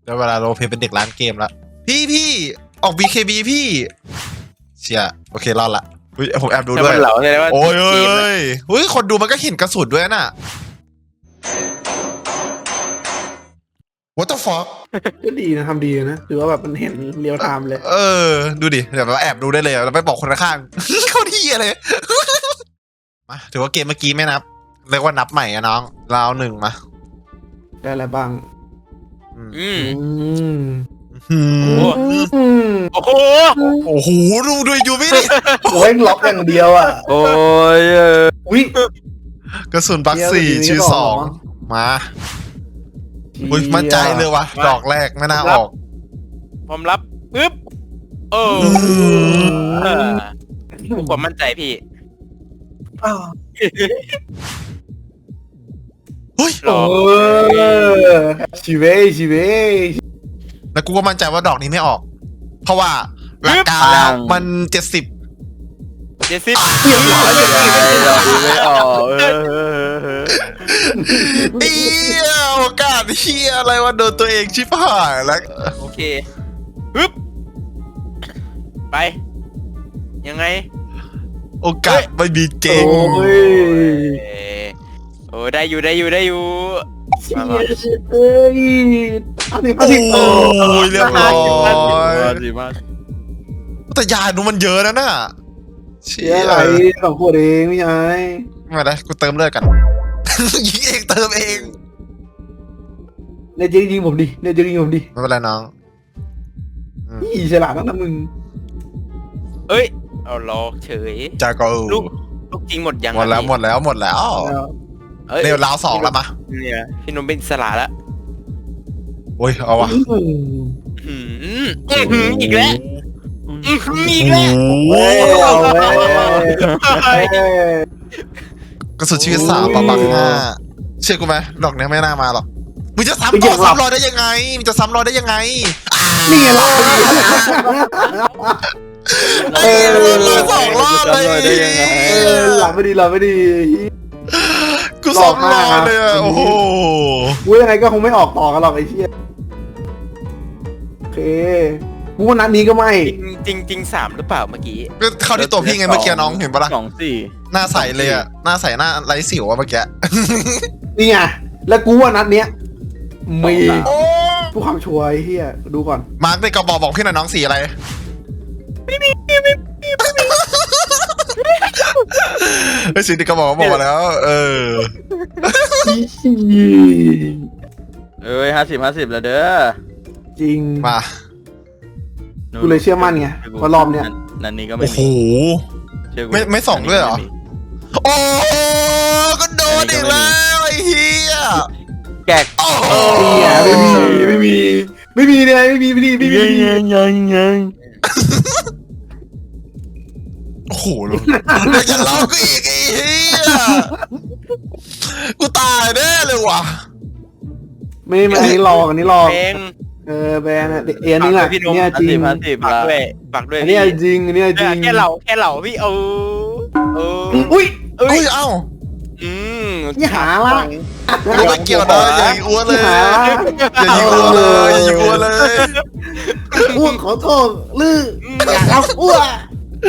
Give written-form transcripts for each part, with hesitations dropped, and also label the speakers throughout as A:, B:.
A: แล้วเวลาโรลเพลย์เป็นเด็กร้านเกมละพี่ออก BKB พี่เชียโอเครอดละผมแอบดูด้วยโอ้ยคนดูมันก็เห็นกระสุนด้วยน่ะ What the fuck
B: ก็ดีนะทำดีนะถือว่าแบบมันเห็นเรียลไทม์เลย
A: ดูดิเดี๋ยวเราแอบดูได้เลยเราไปบอกคนข้าง เขาที่อะไรมาถือว่าเกมเมื่อกี้ไม่นับเรียกว่านับใหม่อะน้องเราเอา1มา
B: ได้อะไรบ้าง
C: โอ้โห
A: ดูอยู่ไม่ดิ
B: โอ้ยล็อกอย่างเดียวอ่ะ
C: โอ้ย
B: วิ
A: กระสุนบัก4ชื่อ2มาอุ้ยมั่นใจเลยวะดอกแรกไม่น่าออก
C: ผมรับปึ๊บผมมั่นใจพี่
A: เฮ้ย
B: ชีเว
A: แล้วกูก็มั่นใจว่าดอกนี้ไม่ออกเพราะว่าหลักการแล้วมัน70
B: เรียบร้อย
C: ไม่ออก
A: โอกาสเฮียอะไรวะโดนตัวเองชิบหายแล้ว
C: โอเคปึ๊บไปยังไง
A: โอกาสไม่มีเจ๊ง
C: โอ้ได้อยู่
A: โอ้ยเรียบร้อยแต่ยาดูมันเยอะนะน่ะ
B: เชี่ยอะไรของพวกเองไม่ใช่
A: ไม่ได้กูเติมเลือดกันยิงเองเติมเอง
B: เนี่ยยิงผมดิเนี่ยยิงผมดิ
A: ไม่เป็นไรน้อง
B: นี่ฉลาดนะมึง
C: เอ้ยเอาล้อเฉย
A: จาก็ลูก
C: จริงหมดยัง
A: หมดแล้วเนี่ยราว2แล้วมา
C: เนี่ยพี่นมเป็นสลาแล้ว
A: โอ้ยเอาวะ
C: อีกแล้ว
A: กระสุนชีวิต3ปะบัก5เชื่อกูไหมดอกนี้ไม่น่ามาหรอกมึงจะซ้ำรอยได้ยังไง
B: นี่หลับ
A: 2 รอบเลย
B: หลับไม่ดี
A: กู2 รอบเลยโอ้โห
B: ยังไงก็คงไม่ออกต่อกันหรอกไอ้เชี่ยโอเคกูว่านัดนี้ก็ไม่
C: จริง3หรือเปล่าเมื่อกี้
A: ก็เข้าที่ตัวพี่ไงเมื่อกี้น้องเห็นปะล่ะ
C: 2-4
A: หน้าใสเลยอะหน้าใสหน้าไร้สิวอะเมื่อกี้
B: นี่ไงแล้วกูว่านัดเนี้ยมีผู้ความช่วยเฮียดูก่อน
A: มาร์กในกระบอกพี่หน่อยน้องสีอะไรไม่มีไอ้สีในกระบอกบอกแล้ว
C: 50แล้วเด้อ
B: จริง
A: มา
B: กูเลยเชื่อมั่นไงว่ารอบเนี้ย
C: นันนี้ก็ไม่มี
A: โอ้โหไม่ส่องด้วยเหรอโอ้ก็โดนอีกแล้วไอ้เฮีย
C: แกก
B: ไม่มีเลยไม่มี
C: ยัง
A: โอ้โหจะเล่ากูอีกไอ้เฮียกูตายแน่เลยว่ะ
B: ไม่อันนี้รอแบนแบนนี่แหละเนี่ยจริง
C: ฝากด้วย
B: เนี่ยจริงเนี่ยจริง
C: แค่เหล่าพี่
B: อุ้ย
A: เอ้า
B: นี่หาละ
A: ไม่เกี่ยวนะอย่าอ้วนเลยอย่ายิงอ้วนเลย
B: อ้วนขอโทษลืออย่าทำอ้วน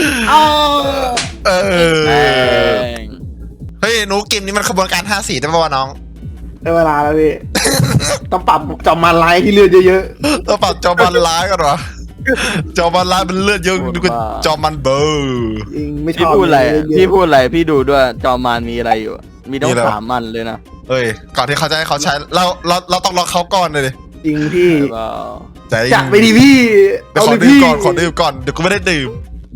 A: เฮ้ยหนูเกมนี้มันขบวนการ5-4ได้ป่าวน้อง
B: ได้เวลาแล้วพี่ต้องปรับจอมมันไลท์ที่เลือดเยอะ
A: ๆต้องปรับจอมมันไลท์กันวะจอมมันไลท์มันเลือดเยอะดูกันจอมมันเบอร์
B: ไม่ชอบ
C: พี่พูดอะไรพี่ดูด้วยจอมมันมีอะไรอยู่มีต้อง3 มันเลยนะ
A: เอ้ยก่อนที่เขาจะให้เขาใช้เราต้องรอเขาก่อนเลย
B: จริงพี่
A: จัด
B: ไปดิพี่
A: ขอดื่มก่อนเดี๋ยวกูไม่ได้ดื่ม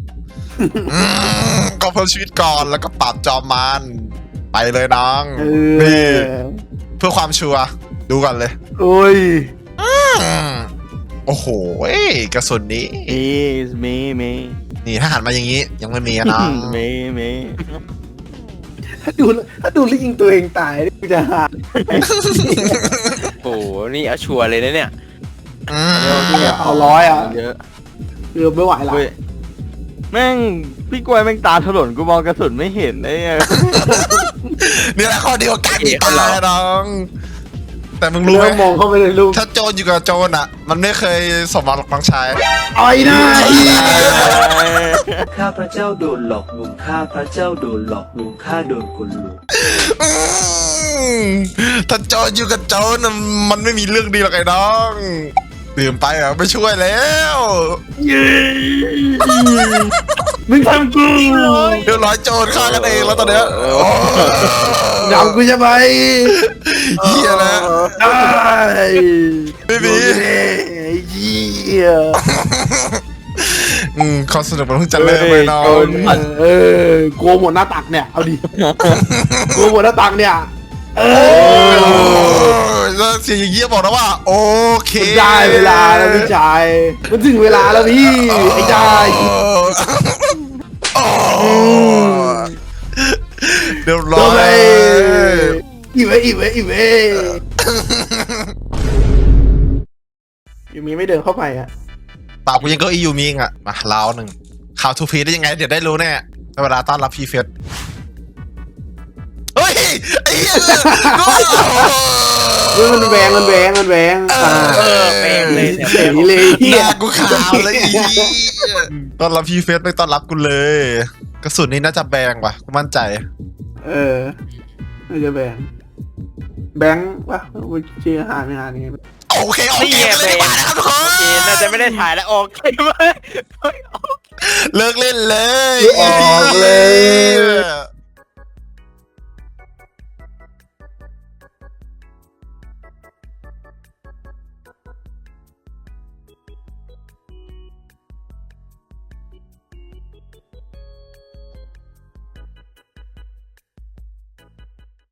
A: ก็เพิ่มชีวิตก่อนแล้วก็ปรับจอมมันไปเลยน้องนี่เพื่อความชัวร์ดูก่อนเลย
B: โอ้ย
A: โอ้โหกระสุนนี้
C: มี
A: นี่ถ้าหันมาอย่างนี้ยังไม่มีนะ
C: มี
B: ถ้าดูแล้วยิงตัวเองตายกูจะหา
C: โอ้นี่เอาชัวร์เลยนะเนี่ย
B: เอา100อ่ะเยอะเกือบไม่ไหวละ
C: แม่งพี่กล้วยแม่งตาถลนกูมองกระสุนไม่เห็นไอ้
A: นี่แหละข้อเดียวกันตายน้องแต่มึงรู้ไหม
B: แล้วมองเข้าไปในรูป
A: ถ้าโจรอยู่กับโจรอ่ะ มันไม่เคยสมหวังหรอกน้องชาย
B: อ้อยหน้าเหี้ย
D: ข้าพระเจ้าโดนหลอกลวงข้าพระเจ้าโดนหลอกลวงข้าโดนคนลวง
A: ถ้าโจรอยู่กับโจรน่ะมันไม่มีเรื่องดีหรอกไอ้น้องดื่มไปอ่ะไม่ช่วยแล้ว
B: มึงทำกู
A: เดี๋ยวร้อยโจรฆ่ากันเองแล้วตอนเนี้ยโอ้
B: ดำกูจะไป
A: เหี้ยนะ
B: ได้
A: ไม่มี
B: ไอ้เหี้ย
A: ความสนุกมันเพิ่งจะเริ่มเลยน้อง
B: กลัวหมดหน้าตักเนี่ยเอาดิกลัวหมดหน้าตักเนี่ย
A: แล้วเสียงอย่างเงี้ยบอกนะว่า โอเค
B: ได้เวลาแล้วพี่ชายมันถึงเวลาแล้วพี่ไอ้ชาย
A: เรียบร้
B: โด
A: อน
B: เลย ยอีเว้ยูมีไม่เดินเข้าไปอะ
A: ปากกูยังก็อีอยู่มิงอ่ะมาลาวหนึ่งข่าวทูพีได้ยังไงเดี๋ยวได้รู้แน่เวลาต้อนรับพีเฟสเฮ้ยไอ้เหี้ย
B: มันแหวง
D: แม่งเลยเนี่ย
B: เสียงเลย
A: หน้ากูขาวเลยอีต้อนรับพีเฟสไม่ต้อนรับกูเลย กระสุนนี้น่าจะแบงว่ะกูมั่นใจ
B: น่าจะแบงค์วะเชียร์หาไม่หานี่
A: โอเคโอ
D: นี่
A: เค
D: ไง
A: เลยมาแล้วทุกค
D: โอเคน น่าจะไม่ได้ถ่ายแล้วโอเคไหม
A: เลิกเล่นเลย
B: ออกเลย